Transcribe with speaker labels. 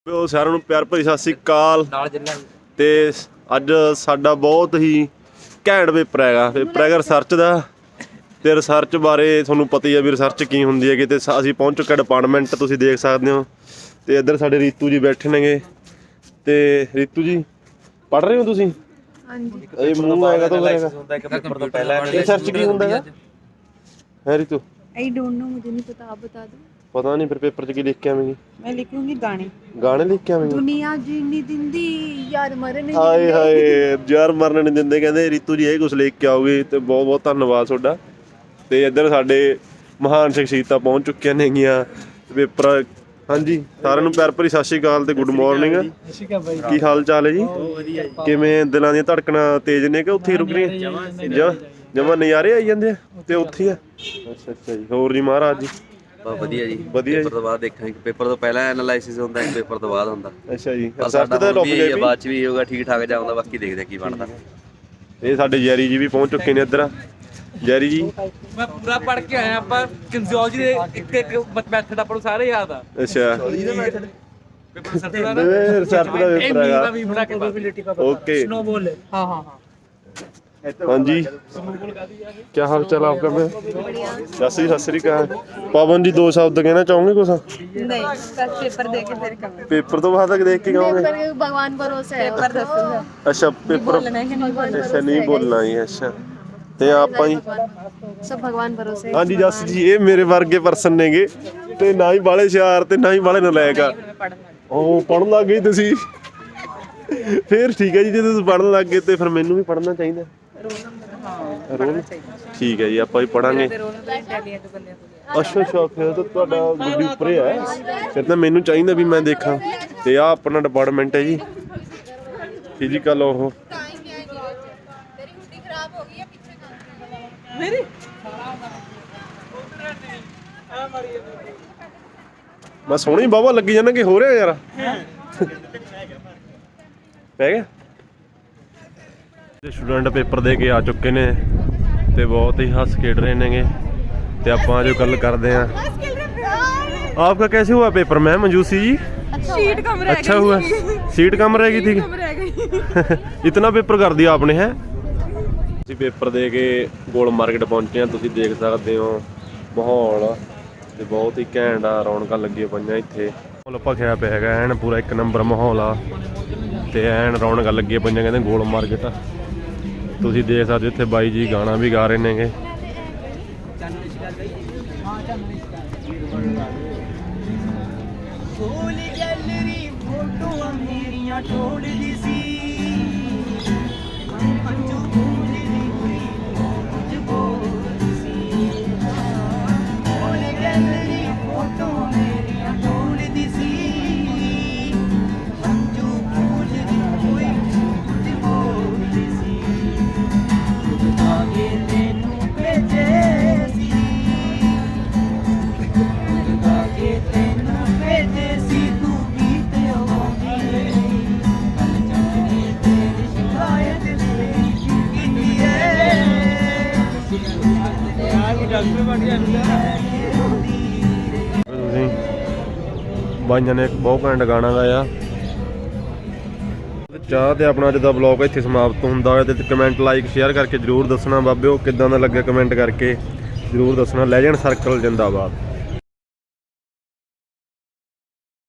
Speaker 1: ਸਾਰਿਆਂ ਨੂੰ ਪਿਆਰ ਭਰੀ ਸਤਿ ਸ਼੍ਰੀ ਅਕਾਲ। ਤੇ ਅੱਜ ਸਾਡਾ ਬਹੁਤ ਹੀ ਘੈਂਟ ਪੇਪਰ ਹੈਗਾ ਰਿਸਰਚ ਦਾ। ਤੇ ਰਿਸਰਚ ਬਾਰੇ ਤੁਹਾਨੂੰ ਪਤਾ ਹੀ ਆ ਵੀ ਰਿਸਰਚ ਕੀ ਹੁੰਦੀ ਹੈਗੀ। ਤੇ ਅਸੀਂ ਪਹੁੰਚ ਚੁੱਕੇ ਡਿਪਾਰਟਮੈਂਟ, ਤੁਸੀਂ ਦੇਖ ਸਕਦੇ ਹੋ। ਤੇ ਇੱਧਰ ਸਾਡੇ ਰੀਤੂ ਜੀ ਬੈਠੇ ਨੇਗੇ। ਤੇ ਰੀਤੂ ਜੀ ਪੜ੍ਹ ਰਹੇ ਹੋ ਤੁਸੀਂ? ਹਾਂਜੀ। ਇਹ ਮੂੰਹ ਆਏਗਾ ਤਾਂ ਰਿਸਰਚ ਕੀ ਹੁੰਦਾ ਹੈ ਰੀਤੂ?
Speaker 2: आई डोंट नो, मुझे नहीं पता, आप बता दो।
Speaker 1: पता नहीं। फिर पेपर च की लिख के आवेंगी?
Speaker 2: मैं लिखूंगी
Speaker 1: गाने लिख के आवेंगी।
Speaker 2: दुनिया जीनी दिंदी यार मरने
Speaker 1: हाय हाय यार मरने नहीं दिंदे कहंदे। रीतू जी ਇਹ ਕੁਝ ਲਿਖ ਕੇ ਆਓਗੇ ਤੇ ਬਹੁਤ ਬਹੁਤ ਧੰਨਵਾਦ ਤੁਹਾਡਾ। ਤੇ ਇੱਧਰ ਸਾਡੇ ਮਹਾਨ ਸ਼ਖਸੀਅਤਾਂ ਪਹੁੰਚ ਚੁੱਕੀਆਂ ਨੇਗੀਆਂ ਪੇਪਰ। ਹਾਂਜੀ ਸਾਰਿਆਂ ਨੂੰ ਪਿਆਰ ਭਰੀ ਸਤਿ ਸ਼੍ਰੀ ਅਕਾਲ ਤੇ ਗੁੱਡ ਮਾਰਨਿੰਗ। ਕੀ ਹਾਲ ਚਾਲ ਹੈ ਜੀ? ਕਿਵੇਂ ਦਿਲਾਂ ਦੀਆਂ ਧੜਕਣਾਂ ਤੇਜ਼ ਨੇ ਕਿ ਉੱਥੇ ਰੁਕ ਰਹੀਆਂ? ਜਮਾਂ ਨਜ਼ਾਰੇ ਆਈ ਜਾਂਦੇ ਆ ਤੇ ਉੱਥੇ ਆ। ਅੱਛਾ ਅੱਛਾ ਜੀ। ਹੋਰ ਜੀ ਮਹਾਰਾਜ ਜੀ?
Speaker 3: ਵਧੀਆ ਜੀ।
Speaker 1: ਵਧੀਆ।
Speaker 3: ਪੇਪਰ ਤੋਂ ਬਾਅਦ ਦੇਖਾਂਗੇ। ਪੇਪਰ ਤੋਂ ਪਹਿਲਾਂ ਐਨਾਲਾਈਸਿਸ ਹੁੰਦਾ, ਇੱਕ ਪੇਪਰ ਤੋਂ ਬਾਅਦ ਹੁੰਦਾ।
Speaker 1: ਅੱਛਾ ਜੀ।
Speaker 3: ਰਿਸਰਚ ਦਾ ਬਾਅਦ ਚ ਵੀ ਹੋਊਗਾ, ਠੀਕ ਠਾਕ ਜਾਊਗਾ, ਬਾਕੀ ਦੇਖਦੇ ਕੀ ਬਣਦਾ।
Speaker 1: ਇਹ ਸਾਡੇ ਜੈਰੀ ਜੀ ਵੀ ਪਹੁੰਚ ਚੁੱਕੇ ਨੇ ਇੱਧਰ। ਜੈਰੀ ਜੀ
Speaker 4: ਮੈਂ ਪੂਰਾ ਪੜ੍ਹ ਕੇ ਆਇਆ। ਆਪਾਂ ਕਿਨਜ਼ੀਓਲੋਜੀ ਦੇ ਇੱਕ ਮੈਥਡ ਆਪਾਂ ਨੂੰ ਸਾਰੇ ਯਾਦ ਆ।
Speaker 1: ਅੱਛਾ।
Speaker 4: ਪੇਪਰ ਰਿਸਰਚ ਦਾ
Speaker 1: ਰਿਸਰਚ ਦਾ ਪੇਪਰ ਹੈਗਾ।
Speaker 4: प्रोबेबिलिटी का
Speaker 1: ओके।
Speaker 4: स्नोबॉल है। हाँ हाँ हाँ।
Speaker 1: हाँ जी क्या हाल चाल आपका? मैं सत श्री अकाल। पवन जी 2 शब्द कहना चाहोगे कुछ?
Speaker 2: नहीं, बस पेपर दे के फिर करूंगा।
Speaker 1: पेपर तो बाद तक देख के कहोगे?
Speaker 2: भगवान भरोसे है। पेपर दसूंगा।
Speaker 1: अच्छा पेपर
Speaker 2: बोलना है कि नहीं बोलना?
Speaker 1: अच्छा नहीं बोलना ही। अच्छा ਤੇ ਆਪਾਂ ਹੀ
Speaker 2: सब भगवान भरोसे।
Speaker 1: ਹਾਂਜੀ ਜਸ ਜੀ ਇਹ ਮੇਰੇ ਵਰਗੇ ਪਰਸਨ ਨੇਗੇ ਤੇ ਨਾ ਹੀ ਬਾਲੇ ਹੁਸ਼ਿਆਰ ਤੇ ਨਾ ਹੀ ਬਾਲੇ ਨਲਾਇਕ ਆ। ਉਹ ਪੜਨ ਲੱਗ ਗਈ ਤੁਸੀਂ? ਫਿਰ ਠੀਕ ਹੈ ਜੀ, ਜੇ ਤੁਸੀਂ ਪੜਨ ਲੱਗ ਗਏ ਤੇ ਫਿਰ ਮੈਨੂੰ ਵੀ ਪੜਨਾ ਚਾਹੀਦਾ। ਰੋਲ ਠੀਕ ਹੈ ਜੀ, ਆਪਾਂ ਵੀ ਪੜਾਂਗੇ। ਅੱਛਾ ਅੱਛਾ ਫਿਰ ਤਾਂ ਤੁਹਾਡਾ ਗੱਡੀ ਉੱਪਰ ਹੈ। ਫਿਰ ਤਾਂ ਮੈਨੂੰ ਚਾਹੀਦਾ ਵੀ ਮੈਂ ਦੇਖਾਂ। ਤੇ ਆਹ ਆਪਣਾ ਡਿਪਾਰਟਮੈਂਟ ਹੈ ਜੀ ਫਿਜ਼ੀਕਲ। ਉਹ ਮੈਂ ਸੋਹਣੀ ਬਾਬਾ ਲੱਗੀ ਜਾਂਦਾ ਕਿ ਹੋ ਰਿਹਾ ਯਾਰ। ਪੈ ਗਿਆ। ਸਟੂਡੈਂਟ ਪੇਪਰ ਦੇ ਕੇ ਆ ਚੁੱਕੇ ਨੇ ਤੇ ਬਹੁਤ ਹੀ ਹੱਸ ਖੇਡ ਰਹੇ ਨੇਗੇ। ਤੇ ਆਪਾਂ ਜੋ ਗੱਲ ਕਰਦੇ हैं आपका कैसे हुआ paper ma'am Manjusi ji?
Speaker 2: Seat कम रह गई।
Speaker 1: अच्छा हुआ। सीट कम रह गई थी। इतना पेपर कर दिया आपने है? ਅਸੀਂ ਪੇਪਰ ਦੇ ਕੇ ਗੋਲ ਮਾਰਕੀਟ ਪਹੁੰਚੇ ਹਾਂ। ਤੁਸੀਂ ਦੇਖ ਸਕਦੇ ਹੋ ਮਾਹੌਲ ਤੇ ਬਹੁਤ ਹੀ ਘੈਂਟ ਆ। ਰੌਣਕਾਂ ਲੱਗੀਆਂ ਪਈਆਂ ਇੱਥੇ। ਮਾਹੌਲ ਭਖਿਆ ਪਿਆ ਹੈਗਾ ਐਨ ਪੂਰਾ ਇੱਕ ਨੰਬਰ ਮਾਹੌਲ ਆ। ਤੇ ਐਨ ਰੌਣਕਾਂ ਲੱਗੀਆਂ ਪਈਆਂ ਕਹਿੰਦੇ ਗੋਲ ਮਾਰਕੀਟ। ਤੁਸੀਂ ਦੇਖ ਸਕਦੇ ਇੱਥੇ ਬਾਈ ਜੀ ਗਾਣਾ ਵੀ ਗਾ ਰਹੇ ਨੇਗੇ। ਬਾਈਆਂ ਨੇ ਇੱਕ ਬਹੁਤ ਘੈਂਟ ਗਾਣਾ ਗਾਇਆ। ਚਾਹ ਤੇ ਆਪਣਾ ਅੱਜ ਦਾ ਵਲੌਗ ਇੱਥੇ ਸਮਾਪਤ ਹੁੰਦਾ ਹੋਇਆ। ਤੇ ਕਮੈਂਟ ਲਾਈਕ ਸ਼ੇਅਰ ਕਰਕੇ ਜ਼ਰੂਰ ਦੱਸਣਾ ਬਾਬਿਓ ਕਿੱਦਾਂ ਦਾ ਲੱਗਿਆ। ਕਮੈਂਟ ਕਰਕੇ ਜ਼ਰੂਰ ਦੱਸਣਾ। ਲੈਜੈਂਡ ਸਰਕਲ ਜਿੰਦਾਬਾਦ।